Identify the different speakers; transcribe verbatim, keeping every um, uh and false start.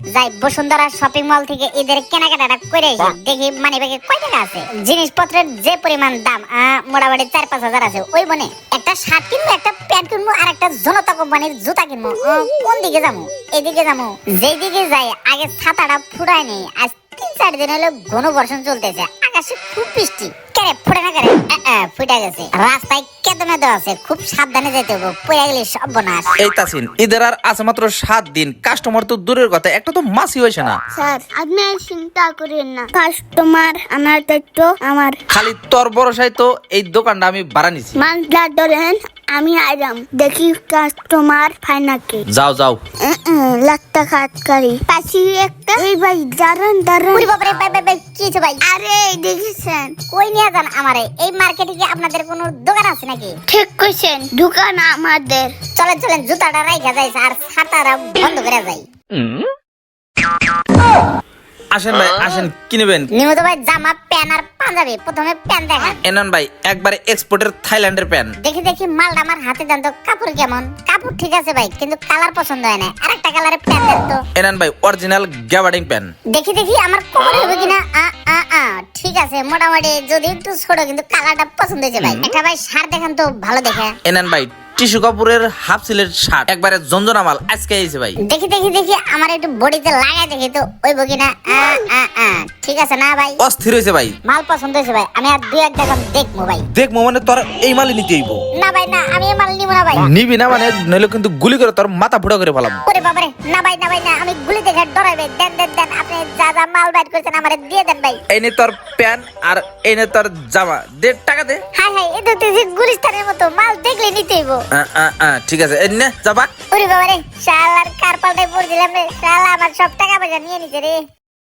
Speaker 1: যাই Bashundhara shopping mall থেকে ঈদের কেনাকাটা করে আসি, দেখি মানি ব্যাগে কয় টাকা আছে। জিনিসপত্রের যে পরিমাণ দাম আহ, মোটামুটি চার পাঁচ হাজার আছে। ওই মনে একটা শার্ট কিনবো, একটা প্যান্ট কিনবো, আর একটা জনতা কোম্পানির জুতা কিনবো। আহ, কোন দিকে যাবো? এদিকে যাবো। যেই দিকে যাই আগে ছাতাটা ফুরায় নেই। আজ তিন চার দিন হলো ঘন বর্ষণ চলতেছে, আকাশে খুব বৃষ্টি। কেরে ফুটে না কেরে? ফুটে গেছে। রাস্তায় কেদে মেদে আছে, খুব সাবধানে যেতে হবে, পড়ে গেলে সব বনাস।
Speaker 2: এই তাসিন, ঈদের আর আছে মাত্র সাত দিন, কাস্টমার তো দূরের কথা, একটা তো মাসি হয়েছে না।
Speaker 3: স্যার আপনি আর চিন্তা করেন না, কাস্টমার আমার দায়িত্ব আমার।
Speaker 2: খালি তোর ভরসায় তো এই দোকানটা আমি ভাড়া নিছি।
Speaker 3: মানটা ধরেন, আমি আইরাম দেখি কাস্টমার পাই নাকি।
Speaker 2: যাও যাও।
Speaker 3: লাখটা খাটকারি পাশি একটা। এই ভাই দাঁড়ান দাঁড়ান।
Speaker 1: ওরে বাবারে, ভাই ভাই ভাই কি হয়েছে ভাই?
Speaker 3: আরে দেখেছেন?
Speaker 1: কই নিয়ে যান আমারে? এই মার্কেটে কি আপনাদের কোনো দোকান আছে নাকি?
Speaker 3: ঠিক কইছেন, দোকান আমাদের।
Speaker 1: চলেন চলেন, জুতাটা রাইখা যাইছে আর ছাতাটা বন্ধ করে যাই।
Speaker 2: আসেন ভাই আসেন, কি নেবেন?
Speaker 1: নিমত ভাই জামা প্যান্ট আর পাঞ্জাবি। প্রথমে প্যান্ট দেখান।
Speaker 2: এনান ভাই একবারে এক্সপোর্টের থাইল্যান্ডের প্যান্ট।
Speaker 1: দেখি দেখি মালটা আমার হাতে দেন তো। কাপড় কেমন? কাপড় ঠিক আছে ভাই, কিন্তু কালার পছন্দ হয় না। আরেকটা কালারের প্যান্ট দেন তো।
Speaker 2: এনান ভাই অরিজিনাল গ্যাবার্ডিং প্যান্ট।
Speaker 1: দেখি দেখি আমার কোমরে হবে কিনা। আ আ আ ঠিক আছে, মোটামুটি যদি একটু ছোট, কিন্তু কালারটা পছন্দ হয়েছে ভাই। একটা ভাই শার্ট দেখান তো ভালো দেখে।
Speaker 2: এনান ভাই টিস্যু কাপড়ের হাফ সিলের শার্ট, একবারে জঞ্জনা মাল, আজকে আইছে ভাই।
Speaker 1: দেখি দেখি দেখি আমার একটু বডিতে লাগাই দেখি তো ওই বকিনা। আ আ আ ঠিক আছে না ভাই?
Speaker 2: অস্থির হয়েছে ভাই।
Speaker 1: মাল পছন্দ হয়েছে ভাই, আমি আর দুই এক টাকা দেখবো ভাই।
Speaker 2: দেখবো মানে তোর এই মালই নিতে হইব।
Speaker 1: না ভাই না, আমি এই মাল নিব না ভাই।
Speaker 2: নিবি না মানে নইলে কিন্তু গুলি করে তোর মাথা ফুটা করে ফেলাম।
Speaker 1: ওরে বাবারে, না ভাই না ভাই না, আমি গুলি দেখে ডরাইবে। দেন দেন দেন, আপনি যা যা মাল বাইর করছেন আমারে দিয়ে দেন ভাই।
Speaker 2: এই নে তোর প্যান্ট আর এই নে তোর জামা, দে টাকা দে।
Speaker 1: হাই হাই, এ তো দেখছি গুলিস্তানের মতো, মাল দেখলে নিতে হইব।
Speaker 2: আ, আ, আ, ঠিক আছে এই নে যাবা।
Speaker 1: ওরে বাবারে, শালার কার পাল্টায় পড়ছিলাম রে। শালা আমার সব টাকা পয়সা নিয়ে নিছে রে।